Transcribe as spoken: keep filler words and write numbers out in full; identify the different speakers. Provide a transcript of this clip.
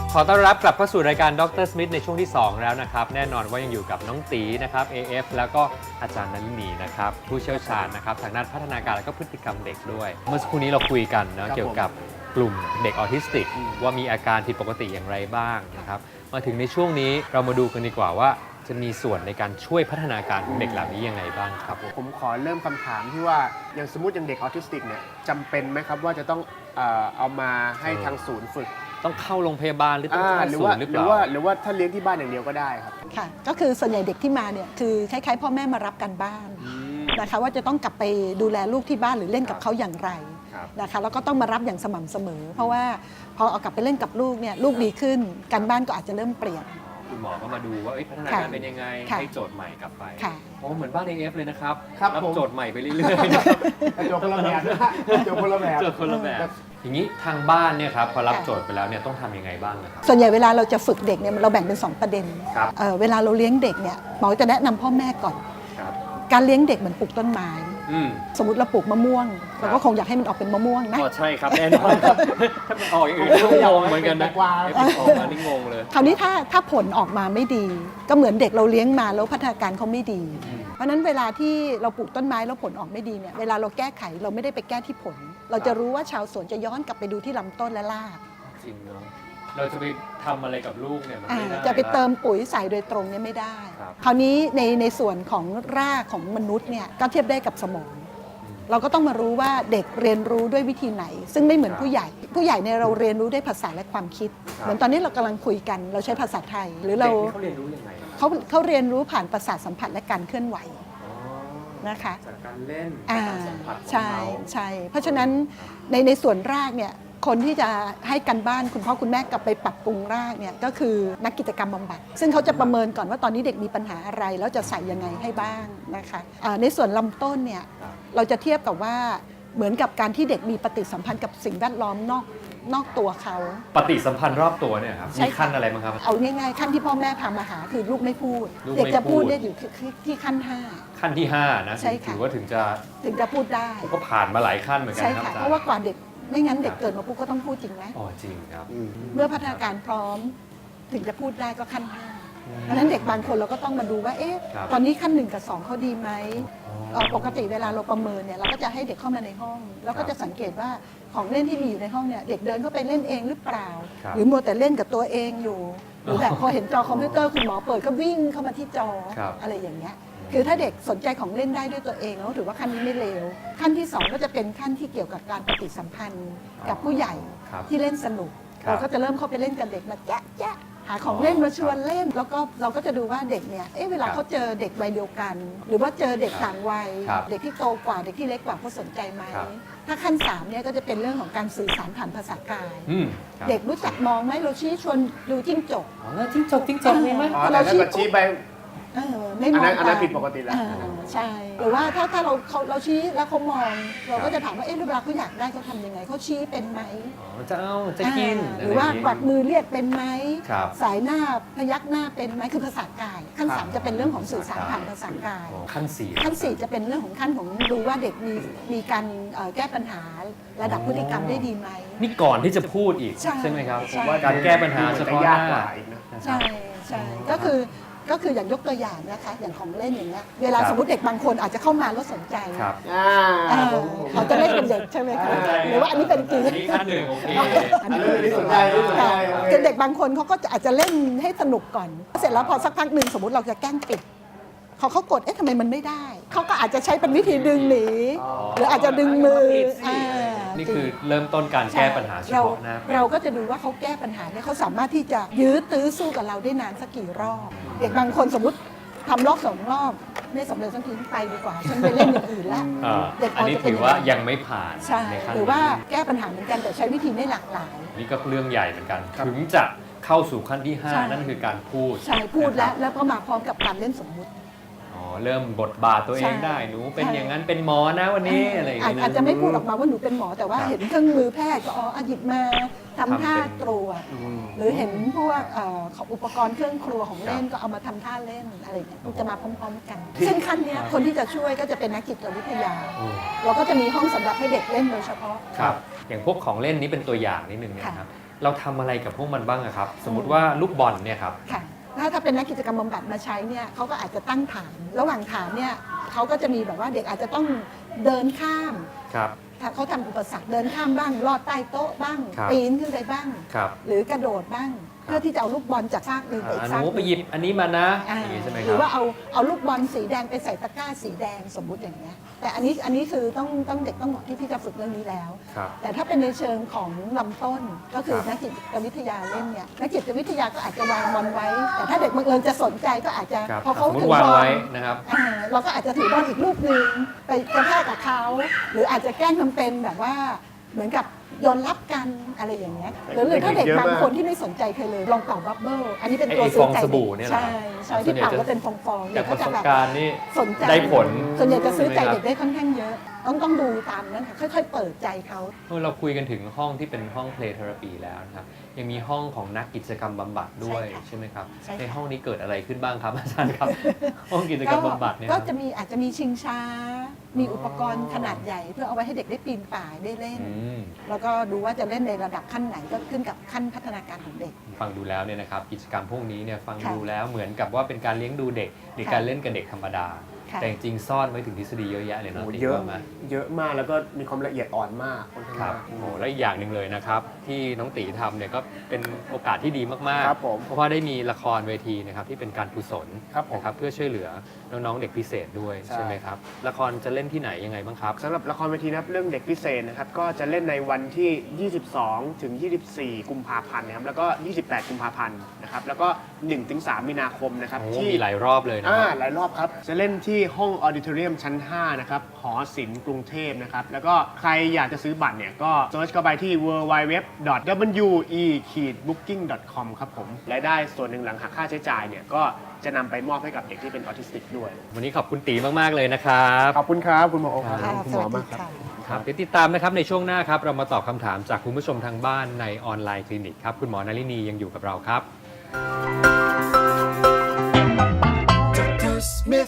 Speaker 1: ขอต้อนรับกลับเข้าสู่รายการดรสมิธในช่วงที่สองแล้วนะครับแน่นอนว่ายังอยู่กับน้องตีนะครับ เอ เอฟ แล้วก็อาจารย์นลินีนะครับผู้เชี่ยวชาญนะครับทางด้านพัฒนาการและก็พฤติกรรมเด็กด้วย เมื่อสักครู่นี้เราคุยกันนะเกี่ยวกับกลุ่มเด็กออทิสติกว่ามีอาการผิดปกติอย่างไรบ้างนะครับมาถึงในช่วงนี้เรามาดูกันดีกว่าว่าจะมีส่วนในการช่วยพัฒนาการของเด็กเหล่านี้ยังไงบ้างครับ
Speaker 2: ผมขอเริ่มคำถามที่ว่าอย่างสมมติอย่างเด็กออทิสติกเนี่ยจำเป็นไหมครับว่าจะต้องเอ่อเอามาให้ทางศูนย์ฝึก
Speaker 1: ต้องเข้าโรงพยาบาลหรือต้องเข้าศูนย์หรือเปล่า
Speaker 2: หรือว่าหรือว่าถ้าเลี้ยงที่บ้านอย่างเดียวก็ได้ครับ
Speaker 3: ค่ะก็คือส่วนใหญ่เด็กที่มาเนี่ยคือคล้ายๆพ่อแม่มารับกันบ้านนะคะว่าจะต้องกลับไปดูแลลูกที่บ้านหรือเล่นกับเขาอย่างไรนะคะแล้วก็ต้องมารับอย่างสม่ำเสมอเพราะว่าพอเอากลับไปเล่นกับลูกเนี่ยลูกดีขึ้นการบ้านก็อาจจะเริ่มเปลี่ยน
Speaker 1: คุณหมอก็มาดูว่าพัฒนาการเป็นยังไงให้โจทย์ใหม่กลับไปโอ้เหมือนบ้าน เอ เอฟ เลยนะครับรับโจทย์ใหม่ไปเรื่อย
Speaker 2: ๆโจทย์คนละแบบโจทย์คนละแบบ
Speaker 1: โจทย์คนละแบบอย่างนี้ทางบ้านเนี่ยครับพอรับโจทย์ไปแล้วเนี่ยต้องทำยังไงบ้างนะครับ
Speaker 3: ส่วนใหญ่เวลาเราจะฝึกเด็กเนี่ยเราแบ่งเป็นสองประเด็นเวลาเราเลี้ยงเด็กเนี่ยหมอจะแนะนำพ่อแม่ก่อนการเลี้ยงเด็กเหมือนปลูกต้นไม้สมมติเราปลูกมะม่วงเราก็คงอยากให้มันออกเป็นมะม่วงนะ
Speaker 1: อ๋อใช่ครับแน่นอนถ้ามันออกอย่างอื่นก็งงเหมือนกันนะไอ้ออกมานี่งงเลย
Speaker 3: คราวนี้ถ้าถ้าผลออกมาไม่ดีก็เหมือนเด็กเราเลี้ยงมาแล้วพัฒนาการเขาไม่ดีเพราะนั้นเวลาที่เราปลูกต้นไม้แล้วผลออกไม่ดีเนี่ยเวลาเราแก้ไขเราไม่ได้ไปแก้ที่ผลเราจะรู้ว่าชาวสวนจะย้อนกลับไปดูที่ลำต้นและราก
Speaker 1: จริงเนาะเราจะไปทำอะไรกับลูกเนี่ยมันไม่ได้
Speaker 3: จะไปเติมปุ๋ยใส่โดยตรงเนี่ยไม่ได้คราวนี้ในในส่วนของรากของมนุษย์เนี่ยก็เทียบได้กับสมองเราก็ต้องมารู้ว่าเด็กเรียนรู้ด้วยวิธีไหนซึ่งไม่เหมือนผู้ใหญ่ผู้ใหญ่เนี่ยเราเรียนรู้ด้วยภาษาและความคิดเหมือนตอนนี้เรากำลังคุยกันเราใช้ภาษาไทยหรือเรา
Speaker 1: เขาเรียนรู้ยังไง
Speaker 3: เขาเขาเรียนรู้ผ่านประสาทสัมผัสและการเคลื่อนไหวนะคะ
Speaker 1: จากการเล่น
Speaker 3: สัมผัสใช่ใช่เพราะฉะนั้นในในส่วนรากเนี่ยคนที่จะให้กันบ้านคุณพ่อคุณแม่กลับไปปรับปรุงรากเนี่ยก็คือนักกิจกรรมบำบัดซึ่งเขาจะประเมินก่อนว่าตอนนี้เด็กมีปัญหาอะไรแล้วจะใส่ยังไงให้บ้างนะคะในส่วนลำต้นเนี่ยเราจะเทียบกับว่าเหมือนกับการที่เด็กมีปฏิสัมพันธ์กับสิ่งแวดล้อมนอกนอกตัวเขา
Speaker 1: ปฏิสัมพันธ์รอบตัวเนี่ยครับมีขั้นอะไรบ้างครับ
Speaker 3: เอาง่ายๆขั้นที่พ่อแม่พามาหาคือลูกไม่พูดเด็กจะพูดได้อยู่ที่ขั้นห้า
Speaker 1: ขั้นที่ห้านะถือว่าถึงจะ
Speaker 3: ถึงจะพูดได้
Speaker 1: ก็ผ่านมาหลายขั้นเหมือนกัน
Speaker 3: ครับเพราะว่ากว่าเด็กไม่งั้นเด็กเกิดมาปุ๊บก็ต้องพูดจริงไหม
Speaker 1: อ๋อจริงครับ
Speaker 3: เมื่อพัฒนาการพร้อมถึงจะพูดได้ก็ขั้นห้าเพราะฉะนั้นเด็กบางคนเราก็ต้องมาดูว่าเอ๊ะตอนนี้ขั้นหนึ่งกับสองเขาดีไหมปกติเวลาเราประเมินเนี่ยเราก็จะให้เด็กเข้ามาในห้องแล้วก็จะสังเกตว่าของเล่นที่มีอยู่ในห้องเนี่ยเด็กเดินเข้าไปเล่นเองหรือเปล่าหรือมัวแต่เล่นกับตัวเองอยู่หรือแบบพอเห็นจอคอมพิวเตอร์คุณหมอเปิดก็วิ่งเข้ามาที่จออะไรอย่างเงี้ยคือถ้าเด็กสนใจของเล่นได้ด้วยตัวเองแล้วถือว่าขั้นนี้ไม่เลวขั้นที่สองก็จะเป็นขั้นที่เกี่ยวกับการปฏิสัมพันธ์กับผู้ใหญ่ที่เล่นสนุกเราก็จะเริ่มเข้าไปเล่นกับเด็กมาแจ๊ะแจ๊ะหาของเล่นมาชวนเล่นแล้วก็เราก็จะดูว่าเด็กเนี่ยเอ๊ะเวลาเขาเจอเด็กวัยเดียวกันหรือว่าเจอเด็กต่างวัยเด็กที่โตกว่าเด็กที่เล็กกว่าเขาสนใจไหมถ้าขั้นสามเนี่ยก็จะเป็นเรื่องของการสื่อสารผ่านภาษากายเด็กรู้จักมองไหมเราชี้ชวนดูจิ้งจก
Speaker 1: จิ้งจกจิ้งจกมีไหม
Speaker 2: เราชี้ไป
Speaker 3: ไม่มอง
Speaker 2: อันนั้นผิดปกติแล้ว
Speaker 3: ใช่หรือว่าถ้าถ้าเราเราชี้แล้วเขามองเราก็จะถามว่าเอ๊ะเวลาเขาอยากได้เขาทำยังไงเขาชี้เป็นไหม
Speaker 1: จะเอาจะกิน
Speaker 3: หรือว่ากวักมือเรียกเป็นไหมสายหน้าพยักหน้าเป็นไหมคือภาษากายขั้นสามจะเป็นเรื่องของสื่อสารผ่านภาษากาย
Speaker 1: ขั้นสี่
Speaker 3: ขั้นสี่จะเป็นเรื่องของขั้นของดูว่าเด็กมีมีการแก้ปัญหาระดับพฤติกรรมได้ดีไหม
Speaker 1: นี่ก่อนที่จะพูดอีกใช่ไหมครับว่าการแก้ปัญหาเฉพาะหน้า
Speaker 3: ใช่ใช่ก็คือก็คืออย่างยกตัวอย่างนะคะอย่างของเล่นอย่างเงี้ยเวลาสมมติเด็กบางคนอาจจะเข้ามาแล้วสนใจเขาจะเล่นเป็นเด็กใช่ไหมคะหรือว่าอันนี้เป็นจริง
Speaker 1: อันนี้ขั้นหนึ่งโอเค
Speaker 2: อันนี้สนใจ
Speaker 3: คือเด็กบางคนเขาก็อาจจะเล่นให้สนุกก่อนเสร็จแล้วพอสักพักหนึ่งสมมติเราจะแกล้งปิดเขาเขากดเอ๊ะทำไมมันไม่ได้เขาก็อาจจะใช้เป็นวิธีดึงหนีหรืออาจจะดึงมือ
Speaker 1: นี่คือเริ่มต้นการแก้ปัญหาเฉพาะหน้า
Speaker 3: เราก็จะดูว่าเขาแก้ปัญหาเนี่ยเขาสามารถที่จะยื้อตื้อสู้กับเราได้นานสักกี่รอบเด็กบางคนสมมติทำรอบสองรอบไม่สำเร็จสักทีไปดีกว่าฉันไปเล่นอย่างอื่นแล้ว
Speaker 1: เด็กอันนี้ถือว่ายังไม่ผ่าน
Speaker 3: ใช่หรือว่าแก้ปัญหาเหมือนกันแต่ใช้วิธีไม่หลากหลาย
Speaker 1: นี่ก็เรื่องใหญ่เหมือนกันถึงจะเข้าสู่ขั้นที่ห้านั่นคือการพูด
Speaker 3: ใช่พูดแล้วแล้วก็มาพร้อมกับการเล่นสมมุติ
Speaker 1: เริ่มบทบาทตัวเองได้หนูเป็นอย่างนั้นเป็นหมอนะวันนี้อะไรอย่างเงี้ย
Speaker 3: อาจจะไม่พูดออกมาว่าหนูเป็นหมอแต่ว่าเห็นเครื่องมือแพทย์ก็อ๋อหยิบมาทำท่าตรวจหรือเห็นพวกอุปกรณ์เครื่องครัวของเล่นก็เอามาทำท่าเล่นอะไรอย่างเงี้ยจะมาพร้อมๆกันซึ่งขั้นนี้คนที่จะช่วยก็จะเป็นนักจิตวิทยาเราก็จะมีห้องสำหรับให้เด็กเล่นโดยเฉพาะ
Speaker 1: ครับอย่างพวกของเล่นนี้เป็นตัวอย่างนิดนึงนะครับเราทำอะไรกับพวกมันบ้างอะครับ สมมุติว่าลูกบอลเนี่ยครับ
Speaker 3: ค่ะถ้าถ้าเป็นนักกิจกรรมบำบัดมาใช้เนี่ยเขาก็อาจจะตั้งฐาน ระหว่างฐานเนี่ยเขาก็จะมีแบบว่าเด็กอาจจะต้องเดินข้าม
Speaker 1: ครับ
Speaker 3: ถ้าเขาทำอุปสรรคเดินข้ามบ้างลอดใต้โต๊ะบ้าง
Speaker 1: ครับ
Speaker 3: ปีนขึ้นไปบ้าง
Speaker 1: ครับ
Speaker 3: หรือกระโดดบ้าง เพื่อที่จะเอาลูกบอลจากซากหนึ่งไปอี
Speaker 1: อ่าก ห
Speaker 3: ซาก
Speaker 1: นู
Speaker 3: ห
Speaker 1: ไป
Speaker 3: นึ่ง
Speaker 1: หยิบอันนี้มานะ
Speaker 3: อ่า
Speaker 1: อย่างนี้ใช่ไหมค
Speaker 3: หรื
Speaker 1: รั
Speaker 3: อบ ว่าเอาเอาลูกบอลสีแดงไปใส่ตะกร้าสีแดงสมมุติอย่างเงี้ยแต่อันนี้อันนี้คือต้องต้องเด็กต้องเหมาะที่ที่จะฝึกเรื่องนี้แล้ว
Speaker 1: ครับ
Speaker 3: แต่ถ้าเป็นในเชิงของลำต้นก็คือ
Speaker 1: ครับ
Speaker 3: นักจิตวิทยาเล่นเนี่ยนักจิตวิทยาก็อาจจะวางบอลไว้ แต่ถ้าเด็กบังเอิญจะสนใจก็อาจจะ
Speaker 1: ครับ
Speaker 3: พอเขา
Speaker 1: สมม
Speaker 3: ถื
Speaker 1: ติ
Speaker 3: อ
Speaker 1: วาง
Speaker 3: บอล
Speaker 1: ไว้นะครับ
Speaker 3: อ่าเราก็อาจจะถือบอลอีกลูกหนึ่งไปกระแทกกับเขาหรืออาจจะแกล้งทำเป็นแบบว่าเหมือนกับโยนรับกันอะไรอย่างเงี้ยหรือหรือถ้าเด็ก
Speaker 2: เยอะมาก
Speaker 3: บางคนที่ไม่สนใจใครเลยลองเป่าบับเบิ้ลอันนี้เป็น
Speaker 1: ไอ้
Speaker 3: ตัว
Speaker 1: ไอ้
Speaker 3: ซื้อ
Speaker 1: ฟอง
Speaker 3: ใจ
Speaker 1: ส
Speaker 3: เด็
Speaker 1: บู่
Speaker 3: ก
Speaker 1: เนี่ยเหรอ
Speaker 3: ใช่ใช่
Speaker 1: ส่
Speaker 3: ที่
Speaker 1: วนใหญ่
Speaker 3: เป่า
Speaker 1: จะ
Speaker 3: แล้วเป็นฟองๆ
Speaker 1: จากประ
Speaker 3: จะ
Speaker 1: สบ
Speaker 3: แบบ
Speaker 1: การณ์นี่
Speaker 3: สนใจ
Speaker 1: ได้ผล
Speaker 3: ส่วนใหญ่จะซื้อใจ
Speaker 1: ใช่ไหมครับ
Speaker 3: เด็กได้ค่อนข้างเยอะ ต้องต้องดูตามนั้นค่ะค่อยๆ เปิดใจเขา
Speaker 1: เมื่อเราคุยกันถึงห้องที่เป็นห้อง play therapy แล้วนะครับ ยังมีห้องของนักกิจกรรมบำบัดด้วย
Speaker 3: ใช่ค่ะ
Speaker 1: ใช่ไหมครับ
Speaker 3: ใช่ค่ะ
Speaker 1: ในห้องนี้เกิดอะไรขึ้นบ้างครับอาจารย์ครับ ห้องกิจกรรมบำบัดเนี่ยค
Speaker 3: ก็
Speaker 1: รับ
Speaker 3: จะมีอาจจะมีชิงช้า มี
Speaker 1: อ๋ออุ
Speaker 3: อุปกรณ์ขนาดใหญ่ เพื่อเอาไว้ให้เด็กได้ปีนป่ายได้เล่น
Speaker 1: อืม
Speaker 3: แล้วก็ดูว่าจะเล่นในระดับขั้นไหนก็ขึ้นกับขั้นพัฒนาการของเด็ก
Speaker 1: ฟังดูแล้วเนี่ยนะครับกิจกรรมพวกนี้เนี่ยฟัง
Speaker 3: ค่ะ
Speaker 1: ดูแล้วเหมือนกับว่าเป็นการเลี้ยงดูเด็กหรือ
Speaker 3: ค่ะ
Speaker 1: การเล่นกับเด็กธรรมดา
Speaker 3: ค่ะ
Speaker 1: แต่จริงๆซ่อนไว้ถึงทฤษฎีเยอะแยะเลย
Speaker 2: โอ้
Speaker 1: เนาะ
Speaker 2: โห
Speaker 1: ติ๊ก
Speaker 2: เยอะ
Speaker 1: ว่าไหม
Speaker 2: เยอะมากแล้วก็มีความละเอียดอ่อนมากค่อนข้าง
Speaker 1: ครับ
Speaker 2: มาก
Speaker 1: โอ้โหและอีกอย่างหนึ่งเลยนะครับที่น้องตีทำเนี่ยก็เป็นโอกาสที่ดีมาก
Speaker 2: ครับผม
Speaker 1: เพราะว่าได้มีละครเวทีนะครับที่เป็นการกุศล
Speaker 2: ครับผม
Speaker 1: นะครับเพื่อช่วยเหลือน้องๆเด็กพิเศษด้วย
Speaker 2: ใช่
Speaker 1: ใช่ไหมครับละครจะเล่นที่ไหนยังไงบ้างครับ
Speaker 2: สำหรับละครเวทีนะครับเรื่องเด็กพิเศษนะครับก็จะเล่นในวันที่ ยี่สิบสอง ถึง ยี่สิบสี่ กุมภาพันธ์นะครับแล้วก็ ยี่สิบแปด กุมภาพันธ์นะครับแล้วก็ หนึ่งถึงสาม มีนาคมนะครับ
Speaker 1: โอ้
Speaker 2: ที่
Speaker 1: มีหลายรอบเลยนะ
Speaker 2: อ่า
Speaker 1: ครับ
Speaker 2: หลายรอบครับ จะเล่นที่ห้องออดิทอเรียมชั้น ห้า นะครับ หอศิลป์กรุงเทพนะครับ แล้วก็ใครอยากจะซื้อบัตรเนี่ยก็เซิร์ชเข้าไปที่ ดับเบิลยู ดับเบิลยู ดับเบิลยู ดอท ดับเบิลยู อี บุ๊กกิ้ง ดอท คอม ครับผมรายได้ส่วนหนึ่งหลังหักค่าใช้จ่ายเนี่ยก็จะนำไปมอบให้กับเด็กที่เป็นออทิสติกด้วย
Speaker 1: วันนี้ขอบคุณตีมากๆเลยนะครับ
Speaker 2: ขอบคุณครับ คุณหมอโอครับ
Speaker 3: ค่ะ
Speaker 2: คุณ
Speaker 3: ส
Speaker 2: หม
Speaker 3: วั
Speaker 2: อ
Speaker 3: สดี
Speaker 2: มากครับ
Speaker 3: ค่ะ
Speaker 1: ครับเดี๋ยวติดตามนะครับในช่วงหน้าครับเรามาตอบคำถามจากคุณผู้ชมทางบ้านในออนไลน์คลินิกครับคุณหมอนารินียังอยู่กับเราครับ